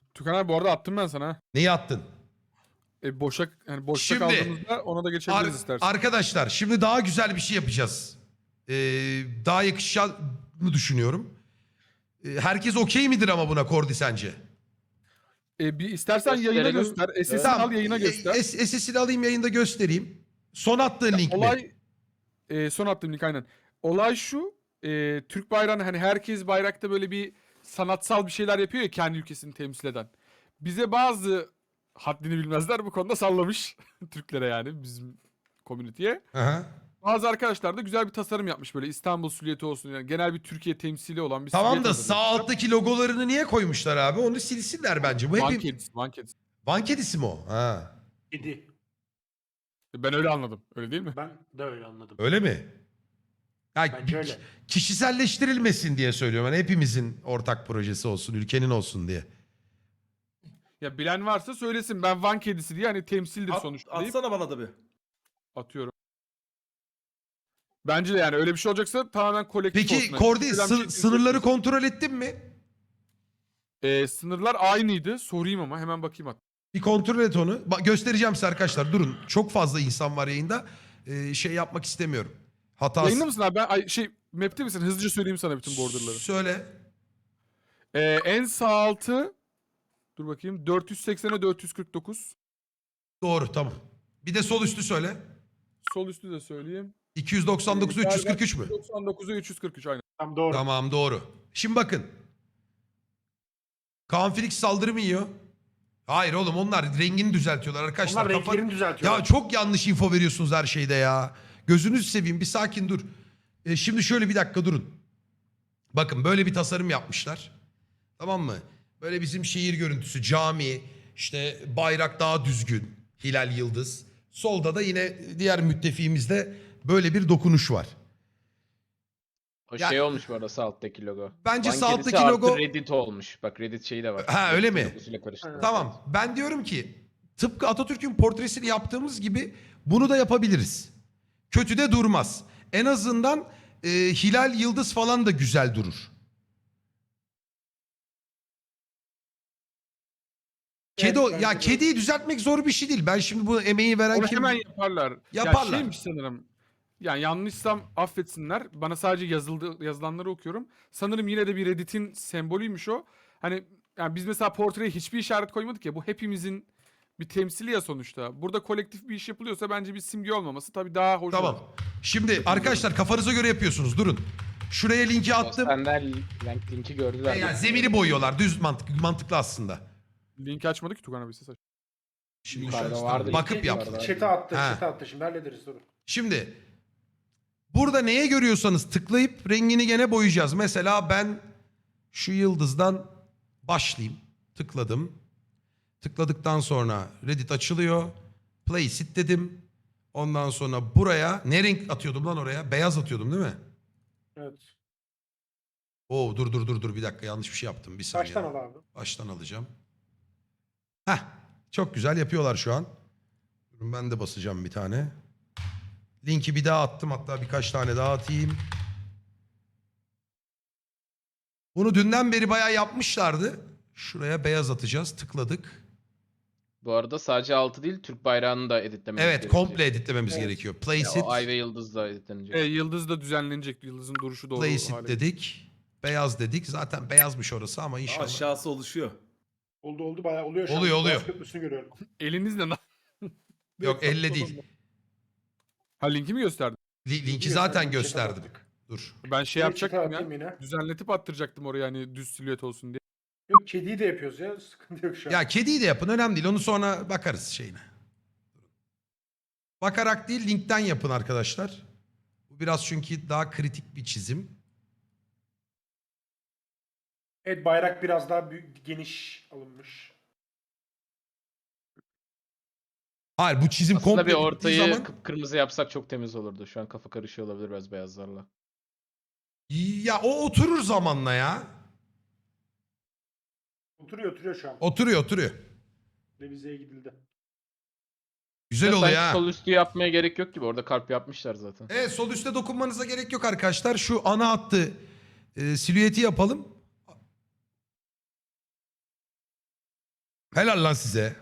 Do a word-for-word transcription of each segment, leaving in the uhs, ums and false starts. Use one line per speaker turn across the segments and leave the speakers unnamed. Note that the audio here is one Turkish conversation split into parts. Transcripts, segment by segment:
Tükan abi bu arada attım ben sana. ha.
Neyi attın?
E, boşa, yani boşta
Şimdi,
kaldığımızda ona da
Ar-
geçebiliriz istersen.
arkadaşlar şimdi daha güzel bir şey yapacağız. Ee, daha yakışacağını düşünüyorum. Ee, herkes okey midir ama buna Kordi sence?
E, bir istersen yayına
Gösterelim.
göster. S S'ini
Tamam.
al yayına göster.
e- S- SS'ini alayım yayında göstereyim. Son attığın link mi?
Olay e, son attığım link aynen. Olay şu. E, Türk bayrağını hani herkes bayrakta böyle bir sanatsal bir şeyler yapıyor ya kendi ülkesini temsil eden. Bize bazı haddini bilmezler bu konuda sallamış. Türklere yani bizim komüniteye.
Aha.
Bazı arkadaşlar da güzel bir tasarım yapmış böyle İstanbul silüeti olsun yani genel bir Türkiye temsili olan bir
Tamam
silüet
da sağ
hazırlamışlar.
alttaki logolarını niye koymuşlar abi? Onu silsinler bence. Bu
Van
hep
kedisi, Van kedisi.
Van kedisi mi o? Ha.
Kedi.
Ben öyle anladım. Öyle değil mi?
Ben de öyle anladım.
Öyle mi? Ya,
Bence öyle.
kişiselleştirilmesin diye söylüyorum. Yani hepimizin ortak projesi olsun, ülkenin olsun diye.
Ya bilen varsa söylesin. Ben Van kedisi diye hani temsildir
At,
sonuçta deyip
atsana bana da bir.
atıyorum. Bence de yani öyle bir şey olacaksa tamamen kolektif olsun.
Peki
Yani
Kordi
ülkeden bir
sı-
şey temsil
sınırları
etmesin.
kontrol ettin mi?
Ee, sınırlar aynıydı. Sorayım ama hemen bakayım hatta.
Bir kontrol et onu. Bak, göstereceğim size arkadaşlar. Durun. Çok fazla insan var yayında. Ee, şey yapmak istemiyorum. Hatası.
Yayında mısın abi? Ben ay, şey map'te misin? Hızlıca söyleyeyim sana bütün borderları.
Söyle.
Ee, en sağ altı dur bakayım dört yüz seksene dört yüz kırk dokuz.
Doğru, tamam. Bir de sol üstü söyle.
Sol üstü de söyleyeyim.
iki yüz doksan dokuz üç yüz kırk üç mü?
doksan dokuza üç yüz kırk üç aynen.
Tam doğru.
Tamam, doğru. Şimdi bakın. Kaan Felix saldırı mı yiyor? Hayır oğlum, onlar rengini düzeltiyorlar arkadaşlar.
Onlar
Kafa-
renklerini düzeltiyor.
Ya çok yanlış info veriyorsunuz her şeyde ya. Gözünüzü seveyim, bir sakin dur. E, şimdi şöyle bir dakika durun. Bakın böyle bir tasarım yapmışlar. Tamam mı? Böyle bizim şehir görüntüsü, cami, işte bayrak daha düzgün, hilal yıldız. Solda da yine diğer müttefiğimizde böyle bir dokunuş var.
O
Ya-
şey olmuş bu arada sağ alttaki logo.
Bence
Van
sağ
kedisi
alttaki
artı
logo-
Reddit olmuş. Bak Reddit şeyi de var.
Ha, öyle
Reddit
mi?
logosuyla karıştırdım.
Tamam, ben diyorum ki tıpkı Atatürk'ün portresini yaptığımız gibi bunu da yapabiliriz. Kötü de durmaz. En azından e, hilal yıldız falan da güzel durur. Kedi o-
Evet,
ya
bence de.
kediyi düzeltmek zor bir şey değil. Ben şimdi bu emeği veren
Onu
kim?
hemen yaparlar.
Yaparlar.
Ya şeymiş sanırım. Yani yanlışsam affetsinler. Bana sadece yazıldı, yazılanları okuyorum. Sanırım yine de bir Reddit'in sembolüymüş o. Hani yani biz mesela portreye hiçbir işaret koymadık ya. Bu hepimizin bir temsili ya sonuçta. Burada kolektif bir iş yapılıyorsa bence bir simge olmaması tabii daha hoş
Tamam.
olur.
Şimdi arkadaşlar kafanıza göre yapıyorsunuz. Durun. Şuraya linki attım.
Senden link, linki gördüler.
Yani zemini boyuyorlar. Düz mantık, mantıklı aslında.
Linki açmadı ki Tugan abi ses aç.
Şimdi
Yukarıda
şu-
vardı.
bakıp
Linki
yap.
yukarıda.
Chat'e attı,
Ha.
chat'e attı. Şimdi hallederiz sorun.
Şimdi burada neye görüyorsanız tıklayıp rengini gene boyayacağız. Mesela ben şu yıldızdan başlayayım. Tıkladım. Tıkladıktan sonra Reddit açılıyor. Place it dedim. Ondan sonra buraya ne renk atıyordum lan oraya? Beyaz atıyordum değil mi?
Evet.
Oo, dur dur dur dur bir dakika, yanlış bir şey yaptım. Bir saniye.
Baştan al abi.
Baştan alacağım. Heh, çok güzel yapıyorlar şu an. Durun, ben de basacağım bir tane. Linki bir daha attım, hatta birkaç tane daha atayım. Bunu dünden beri bayağı yapmışlardı. Şuraya beyaz atacağız. Tıkladık.
Bu arada sadece altı değil Türk bayrağını da editlememiz
Evet,
gerekiyor.
komple editlememiz
Evet.
gerekiyor. Place
Ya, o ay
it.
ve yıldız da editlenecek.
E, yıldız da düzenlenecek. Yıldızın duruşu doğru
Place it
hale.
dedik. Beyaz dedik. Zaten beyazmış orası ama inşallah.
Aşağısı oluşuyor.
Oldu oldu bayağı oluyor şu
Oluyor,
an.
oluyor.
Boğaz Köprüsü'nü görüyorum.
Elinizle na-
Yok, elle değil.
Ha linki mi gösterdi?
Li- linki zaten
Chat'e
gösterdim.
attık.
Dur.
Ben şey
Evet, chat'e
yapacaktım
atayım
ya.
yine.
Düzenletip attıracaktım oraya hani düz silüet olsun diye.
Yok kediyi de yapıyoruz ya. Sıkıntı yok şu an.
Ya kediyi de yapın, önemli değil. Onu sonra bakarız şeyine. Bakarak değil, linkten yapın arkadaşlar. Bu biraz çünkü daha kritik bir çizim.
Evet bayrak biraz daha büyük, geniş alınmış.
Hayır, bu çizim
Aslında
komple
bir
bittiği
ortayı
zaman...
kıpkırmızı yapsak çok temiz olurdu. Şu an kafa karışıyor olabilir biraz beyazlarla.
Ya o oturur zamanla ya.
Oturuyor oturuyor şu an.
Oturuyor oturuyor.
Revizeye gidildi.
Güzel
Ya
oluyor
sanki
ha.
sol üstü yapmaya gerek yok gibi. Orada kalp yapmışlar zaten.
Evet, sol üstte dokunmanıza gerek yok arkadaşlar. Şu ana hattı e, silüeti yapalım. Helal lan size.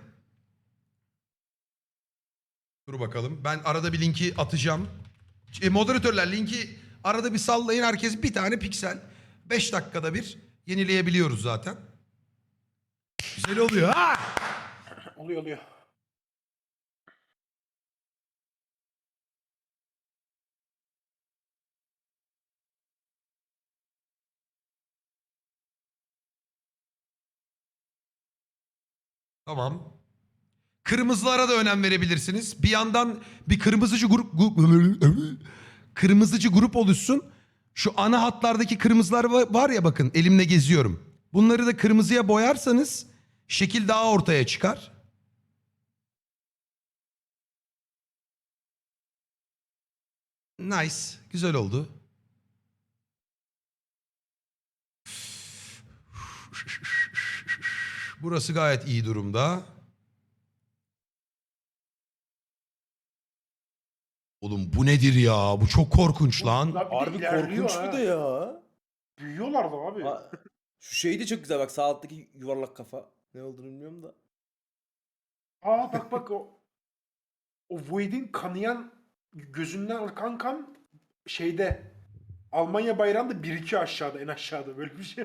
Dur bakalım. Ben arada bir linki atacağım. E, moderatörler linki arada bir sallayın. Herkes bir tane piksel. beş dakikada bir yenileyebiliyoruz zaten. Güzel oluyor ha.
Oluyor oluyor.
Tamam. Kırmızılara da önem verebilirsiniz. Bir yandan bir kırmızıcı grup gu- kırmızıcı grup oluşsun. Şu ana hatlardaki kırmızılar va- var ya, bakın elimle geziyorum. Bunları da kırmızıya boyarsanız şekil daha ortaya çıkar. Nice. Güzel oldu. Burası gayet iyi durumda. Oğlum bu nedir ya? Bu çok korkunç lan.
Bunlar bir de
Harbi
ilerliyor
korkunç
ha.
bir de ya.
Büyüyorlar da abi.
Ha, şu şey de çok güzel bak, sağ alttaki yuvarlak kafa. Ne olduğunu bilmiyorum da.
Aa bak bak o o Void'in kanayan gözünden akan kan şeyde Almanya bayrağında bir iki aşağıda, en aşağıda böyle bir şey.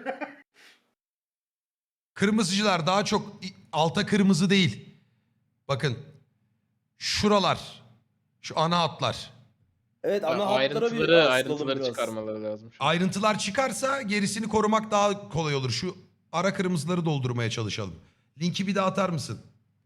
Kırmızıcılar daha çok i- alta kırmızı değil. Bakın. Şuralar. Şu ana hatlar.
Evet,
Ya
ana hatlara bir
ayrıntıları,
asılalım
ayrıntıları
biraz.
çıkarmaları lazım. şu an.
Ayrıntılar çıkarsa gerisini korumak daha kolay olur. Şu ara kırmızıları doldurmaya çalışalım. Linki bir daha atar mısın?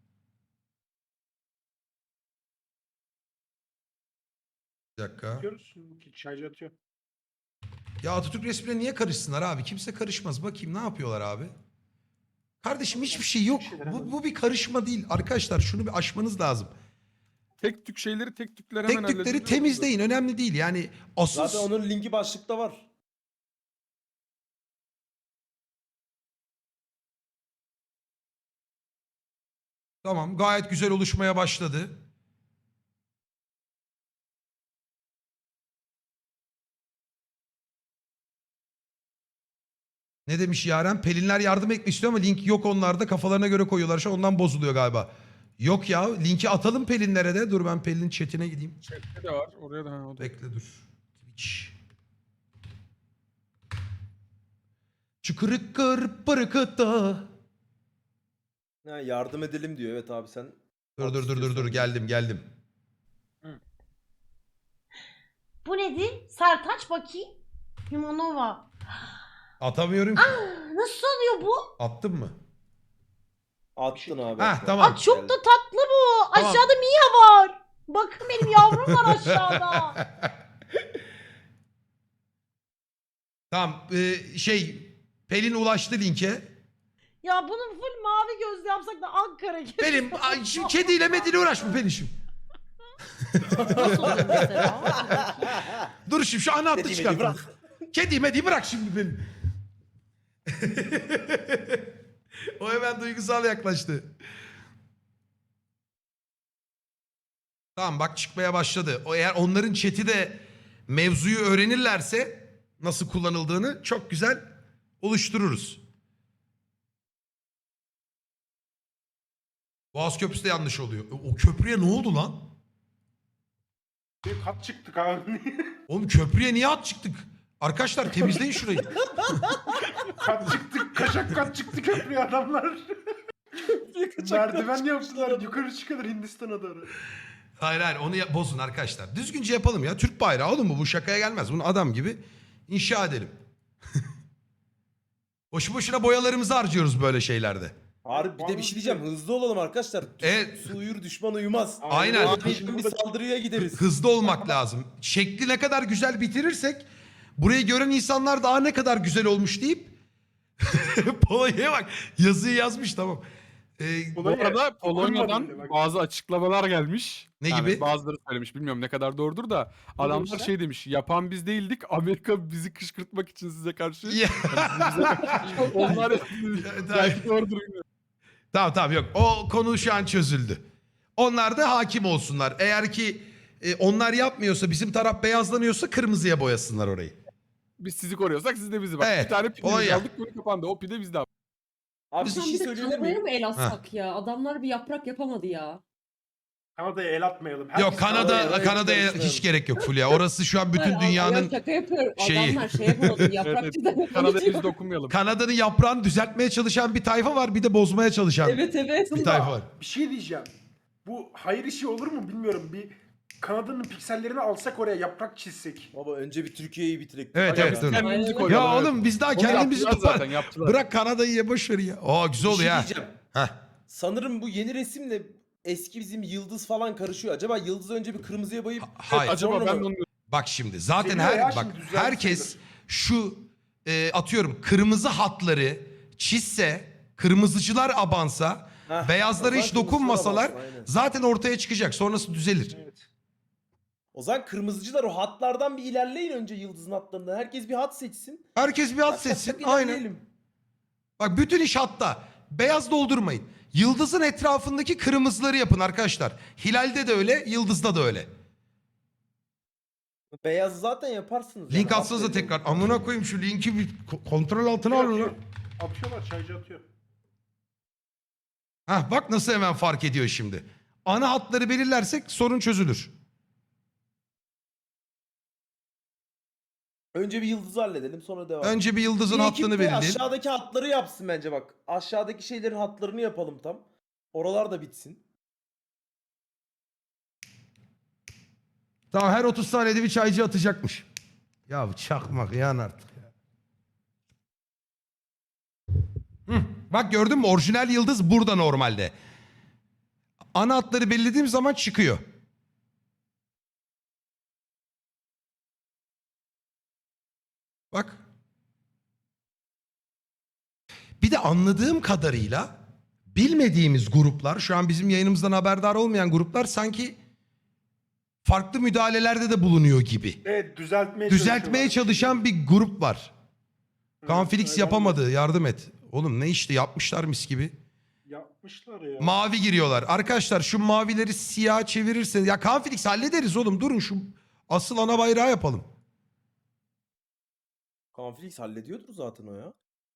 Bir dakika.
Atıyoruz. Şarjı atıyor.
Ya Atatürk resmine niye karışsınlar abi? Kimse karışmaz. Bakayım ne yapıyorlar abi? Kardeşim hiçbir şey yok. Bu, bu bir karışma değil. Arkadaşlar şunu bir aşmanız lazım.
Tek tük şeyleri tek tükler hemen
Tek tükleri
hallediliyor.
temizleyin. Önemli değil. Yani asıl...
Zaten onun linki başlıkta var.
Tamam, gayet güzel oluşmaya başladı. Ne demiş Yaren? Pelinler yardım etmek istiyor ama link yok onlarda. Kafalarına göre koyuyorlar. Şu an ondan bozuluyor galiba. Yok ya, linki atalım Pelinlere de. Dur ben Pelin'in chatine gideyim.
Chat'te de var. Oraya da. Ha, o da.
Bekle dur. Twitch. Çıkırıkkır pırıkıtta.
Ha, yardım edelim diyor. Evet abi, sen.
Dur dur dur dur dur geldim geldim.
Bu nedir? Sertaç bakayım. Limonova.
Atamıyorum ki.
Nasıl oluyor bu?
Attın mı?
Attın abi.
Heh,
attın.
tamam.
Aa, çok da tatlı bu.
Tamam.
Aşağıda Mia var. Bakın benim yavrum var aşağıda.
Tamam e, şey Pelin ulaştı linke.
Ya bunun full mavi gözlü yapsak da Ankara gibi.
Pelin ay, şimdi kediyle mediyle uğraşma Pelin şimdi.
Nasıl oluyor mesela?
Dur şimdi şu ana hattı
Dediğimi
çıkart.
bırak.
Kedi mediyi bırak şimdi Pelin. O hemen duygusal yaklaştı. Tamam bak çıkmaya başladı. O eğer onların chat'i de mevzuyu öğrenirlerse nasıl kullanıldığını çok güzel oluştururuz. Boğaz Köprüsü de yanlış oluyor. O köprüye ne oldu lan?
Bir kat çıktık abi.
Oğlum köprüye niye at çıktık? Arkadaşlar temizleyin şurayı.
kat çıktık. Kaşak kat çıktı köprüye adamlar. Merdiven yaptılar. Yukarı çıkılır Hindistan'a doğru.
Hayır hayır onu ya- bozun arkadaşlar. Düzgünce yapalım ya. Türk bayrağı oğlum bu. Bu şakaya gelmez. Bunu adam gibi inşa edelim. Boşu boşuna boyalarımızı harcıyoruz böyle şeylerde.
Harbi bir de bir şey diyeceğim. Hızlı olalım arkadaşlar.
Evet.
Su uyur, düşman uyumaz.
Aynen.
Aniden bir saldırıya gideriz.
Hızlı olmak lazım. Şekli ne kadar güzel bitirirsek burayı gören insanlar daha ne kadar güzel olmuş deyip Polonya'ya bak yazıyı yazmış tamam. Ee,
Bu arada Polonya'dan
Okunmadı bile bak.
bazı açıklamalar gelmiş.
Ne
Yani
gibi?
Bazıları söylemiş. Bilmiyorum ne kadar doğrudur da. Adamlar
demişler?
şey demiş. Yapan biz değildik. Amerika bizi kışkırtmak için size karşı.
Ya-
Onlar
Evet,
belki doğrudur. bilmiyorum.
Tamam tamam yok. O konu şu an çözüldü. Onlar da hakim olsunlar. Eğer ki e, onlar yapmıyorsa bizim taraf beyazlanıyorsa kırmızıya boyasınlar orayı.
Biz sizi koruyorsak siz de bizi bak.
Evet,
Bir tane pidemiz
Polonya.
aldık. Konu kapandı. O pide bizde.
Abi bir
Biz-
şey
Sen bir de
söyleyebilir
Kanada'ya
miyim?
mı el atsak ya? Adamlar bir yaprak yapamadı ya.
Kanada'ya el atmayalım.
Yok
Herkes
Kanada
Kanada'ya hiç
Kanada'ya
karışmayalım.
hiç gerek yok Fulya. Orası şu an bütün
Hayır, ad-
dünyanın
ya şaka yapıyorum.
şeyi.
Adamlar şey yapamadı.
Evet,
Yaprakçıdan
evet. Kanada'ya
yapamadı.
biz dokunmayalım.
Kanada'nın yaprağını düzeltmeye çalışan bir tayfa var, bir de bozmaya çalışan
Evet evet.
bir tayfa var.
Bir şey diyeceğim. Bu hayır işi olur mu bilmiyorum. Bir Kanada'nın piksellerini alsak oraya yaprak çizsek.
Baba önce bir Türkiye'yi bitirek.
Evet,
Aga
evet,
biz
dur.
kendimizi
Aynen.
koyalım.
Ya
evet.
oğlum biz daha
Onu
kendimizi
yaptılar
topar.
zaten, yaptılar.
Bırak Kanada'yı ya, boş ver ya. Aa güzel
Bir
oluyor
şey
ha.
diyeceğim.
Heh.
Sanırım bu yeni resimle eski bizim yıldız falan karışıyor. Acaba yıldızı önce bir kırmızıya boyayıp
Hayır.
Acaba
Sonra
ben
mı?
de onu
Bak şimdi zaten
Geliyor
her
ya,
bak
şimdi düzeldi
herkes
sayılır.
şu e, atıyorum kırmızı hatları çizse, kırmızıcılar abansa,
Heh,
beyazlara
o zaman
hiç
kırmızıcılar
dokunmasalar
abansın, aynen.
zaten ortaya çıkacak. Sonrası düzelir.
Evet.
O zaman kırmızıcılar o hatlardan bir ilerleyin önce yıldızın hatlarından. Herkes bir hat seçsin.
Herkes bir hat
Tak tak tak
seçsin. Aynen.
ilerleyelim.
Bak bütün iş hatta. Beyaz doldurmayın. Yıldızın etrafındaki kırmızıları yapın arkadaşlar. Hilalde de öyle, yıldızda da öyle.
Beyaz zaten yaparsınız.
Link
yani,
atsanıza
hat belli
tekrar.
olur.
Amına koyayım şu linki bir ko- kontrol altına alın
Atıyor.
lan.
Atıyorlar, çaycı atıyor.
Hah bak nasıl hemen fark ediyor şimdi. Ana hatları belirlersek sorun çözülür.
Önce bir yıldızı halledelim sonra devam.
Önce bir yıldızın
Bir ekip
hattını
de
belirleyelim.
aşağıdaki hatları yapsın bence bak. Aşağıdaki şeylerin hatlarını yapalım tam. Oralar da bitsin.
Tamam her otuz saniyede bir çaycı atacakmış. Ya çakmak yan artık ya. Hı, bak gördün mü orijinal yıldız burada normalde. Ana hatları belirlediğim zaman çıkıyor. Bak. Bir de anladığım kadarıyla bilmediğimiz gruplar, şu an bizim yayınımızdan haberdar olmayan gruplar sanki farklı müdahalelerde de bulunuyor gibi.
Evet, düzeltmeye
Düzeltmeye
çalışıyorlar.
çalışan bir grup var. Kaan
Evet,
Felix
öyle
yapamadı, yardım et. Oğlum ne işte yapmışlar mis gibi.
Yapmışlar ya.
Mavi giriyorlar. Arkadaşlar şu mavileri siyah çevirirseniz. Ya Kaan Felix hallederiz oğlum, durun şu asıl ana bayrağı yapalım.
Kaan Felix hallediyordur zaten o ya.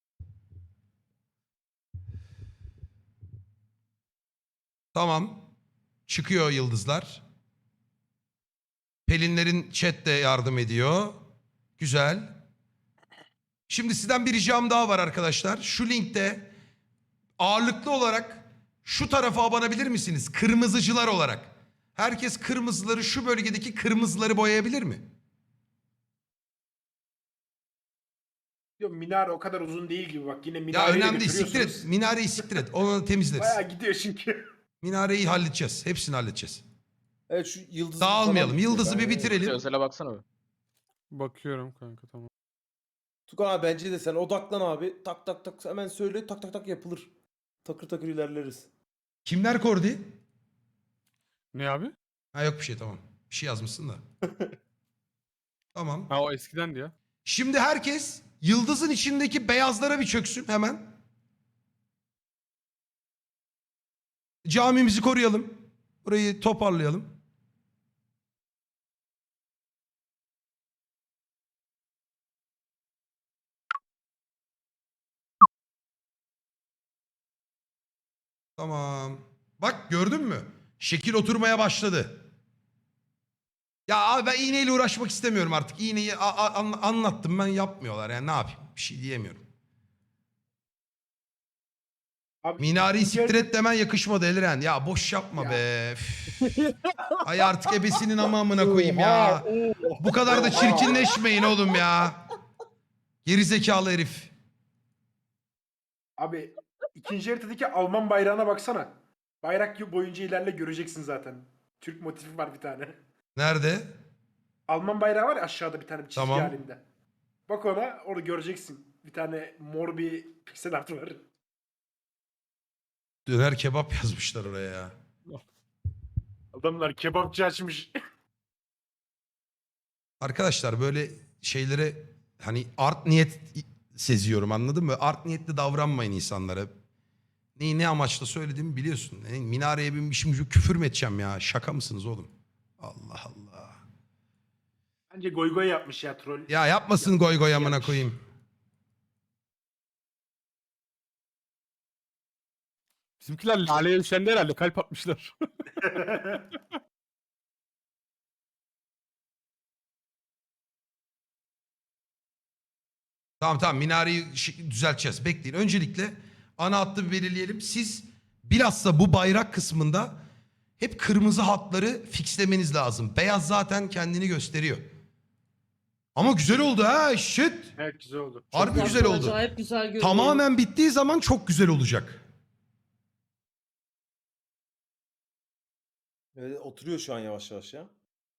Tamam. Çıkıyor yıldızlar. Pelinlerin chat de yardım ediyor. Güzel. Şimdi sizden bir ricam daha var arkadaşlar. Şu linkte ağırlıklı olarak şu tarafa abanabilir misiniz? Kırmızıcılar olarak. Herkes kırmızıları, şu bölgedeki kırmızıları boyayabilir mi?
Diyor, minare o kadar uzun değil gibi bak. Yine
Ya
minareyi
önemli değil, siktir et.
götürüyorsunuz.
Minareyi siktir et. Onu temizleriz.
Bayağı gidiyor çünkü.
Minareyi halledeceğiz. Hepsini halledeceğiz.
Evet şu yıldızı
Dağılmayalım.
falan-
Yıldızı bir
Yani-
bitirelim.
Özele baksana bir.
Bakıyorum kanka, tamam.
Tukan abi bence de sen odaklan abi. Tak tak tak hemen söyle tak tak tak yapılır. Takır takır ilerleriz.
Kimler kordi?
Ne abi?
Ha yok bir şey, tamam. Bir şey yazmışsın da. Tamam.
Ha o eskidendi ya.
Şimdi herkes yıldızın içindeki beyazlara bir çöksün hemen. Camimizi koruyalım. Burayı toparlayalım. Tamam. Bak gördün mü? Şekil oturmaya başladı. Ya abi ben iğneyle uğraşmak istemiyorum artık. İğneyi a- a- an- anlattım ben, yapmıyorlar yani ne yapayım? Bir şey diyemiyorum.
Abi,
Minareyi
ikinci
siktir
el-
et demen yakışmadı Eliren. Ya boş yapma
Ya.
be. Üf. Ay artık ebesinin amamına koyayım ya. Bu kadar da çirkinleşmeyin oğlum ya. Geri zekalı herif.
Abi ikinci haritadaki Alman bayrağına baksana. Bayrak boyunca ilerle, göreceksin zaten. Türk motifi var bir tane.
Nerede?
Alman bayrağı var ya aşağıda bir tane çizgi
Tamam.
halinde. Bak ona, orada göreceksin. Bir tane mor bir piksel art var.
Döner kebap yazmışlar oraya ya.
Adamlar kebapçı açmış.
Arkadaşlar böyle şeylere hani art niyet seziyorum, anladın mı? Art niyetli davranmayın insanlara. Neyi ne amaçla söylediğimi biliyorsun. Yani minareye binmişim, küfür mü edeceğim ya? Şaka mısınız oğlum? Allah Allah.
Bence goy goy yapmış ya troll.
Ya yapmasın goy goy amına
Yapmış.
koyayım.
Bizimkiler laleye düşende herhalde kalp atmışlar.
Tamam tamam minareyi şi- düzelteceğiz. Bekleyin. Öncelikle ana hattı bir belirleyelim. Siz bilhassa bu bayrak kısmında hep kırmızı hatları fixlemeniz lazım. Beyaz zaten kendini gösteriyor. Ama güzel oldu ha shit.
Evet güzel oldu.
Harbi
Bak,
güzel oldu.
Acayip güzel görünüyor.
Tamamen bittiği zaman çok güzel olacak.
Evet, oturuyor şu an yavaş yavaş ya.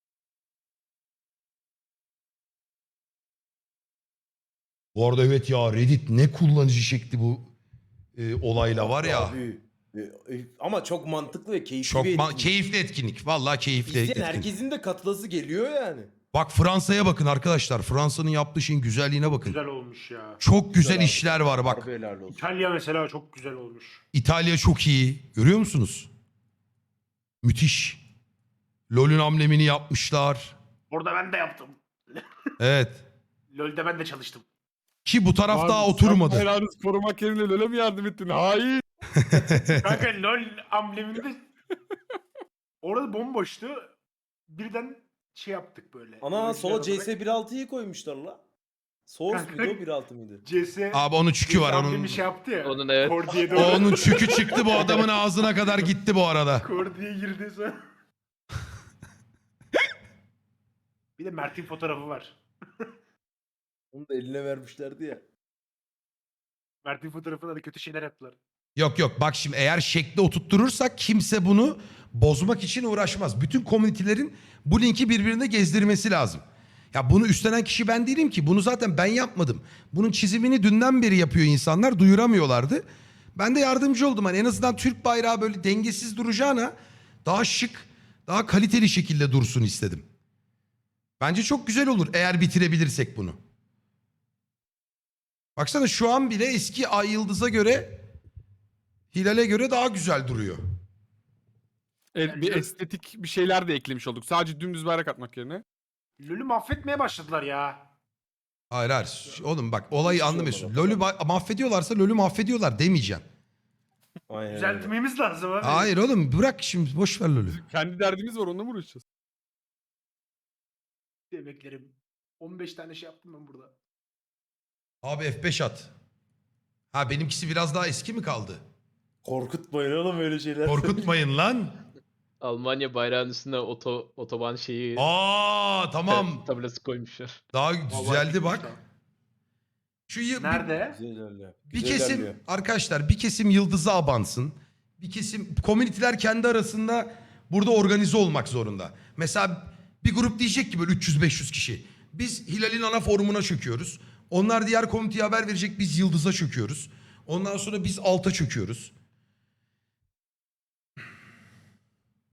Bu arada evet ya Reddit ne kullanıcı çekti bu e, olayla var ya.
Abi, e, e, ama çok mantıklı ve keyifli
Çok
bir
ma-
etkinlik.
keyifli etkinlik. Vallahi keyifli
İzleyen
etkinlik.
herkesin de katılası geliyor yani.
Bak Fransa'ya bakın arkadaşlar. Fransa'nın yaptığı şeyin güzelliğine bakın.
Güzel olmuş ya.
Çok güzel
abi.
işler var bak.
Harbi helal olsun.
İtalya mesela çok güzel olmuş.
İtalya çok iyi. Görüyor musunuz? Müthiş. LoL'ün amblemini yapmışlar.
Orada ben de yaptım.
Evet.
LoL'de ben de çalıştım.
Ki bu taraf
Abi,
daha
sen
oturmadı.
bayrağınızı korumak yerine LoL'e mi yardım ettin? Hayır.
Kanka LoL ambleminde orada bomboştu. Birden şey yaptık böyle.
Ana
Böyle
sola
güzel
C S bir nokta altıyı koymuşlar la. Source
Kanka-
muydu o bir nokta altı mıydı?
C S
Abi onun çükü var. Onun,
amblemi şey yaptı ya.
Onun evet.
Kor diye doğru.
onun çükü çıktı bu adamın ağzına kadar gitti bu arada.
Kor diye girdi sonra. Bir de Mert'in fotoğrafı var.
Onu da eline vermişlerdi ya.
Mert'in fotoğrafında da kötü şeyler yaptılar.
Yok yok bak şimdi eğer şekli oturtturursak kimse bunu bozmak için uğraşmaz. Bütün komünitelerin bu linki birbirine gezdirmesi lazım. Ya bunu üstlenen kişi ben değilim ki. Bunu zaten ben yapmadım. Bunun çizimini dünden beri yapıyor insanlar. Duyuramıyorlardı. Ben de yardımcı oldum. Hani en azından Türk bayrağı böyle dengesiz duracağına daha şık, daha kaliteli şekilde dursun istedim. Bence çok güzel olur eğer bitirebilirsek bunu. Baksana şu an bile eski Ay Yıldız'a göre, Hilal'e göre daha güzel duruyor.
Evet, bir estetik bir şeyler de eklemiş olduk. Sadece dümdüz bayrak atmak yerine.
LoL'ü mahvetmeye başladılar ya.
Hayır hayır. Oğlum bak olayı
Hiçbir şey
anlamıyorsun.
olmadı.
LoL'ü ba- mahvediyorlarsa LoL'ü mahvediyorlar demeyeceğim.
Aynen öyle.
Düzeltmemiz lazım abi.
Hayır oğlum bırak şimdi boş ver LoL'ü.
Kendi derdimiz var onunla mı uğraşacağız?
Emeklerim. on beş tane şey yaptım ben burada.
Abi F beş at. Ha benimkisi biraz daha eski mi kaldı?
Korkutmayın oğlum öyle şeyler.
Korkutmayın lan.
Almanya bayrağının üstüne oto, otoban şeyi
Aa tamam.
tablası koymuşlar.
Daha
Vallahi
düzeldi
gitmiş
bak.
daha.
Şu yı- bir-
Nerede?
Güzel ilerliyor.
Bir
Güzel
kesim
ilerliyor.
arkadaşlar bir kesim yıldızı abansın. Bir kesim komüniteler kendi arasında burada organize olmak zorunda. Mesela bir grup diyecek ki böyle üç yüz beş yüz kişi. Biz Hilal'in ana forumuna çöküyoruz. Onlar diğer komiteye haber verecek biz yıldıza çöküyoruz. Ondan sonra biz alta çöküyoruz.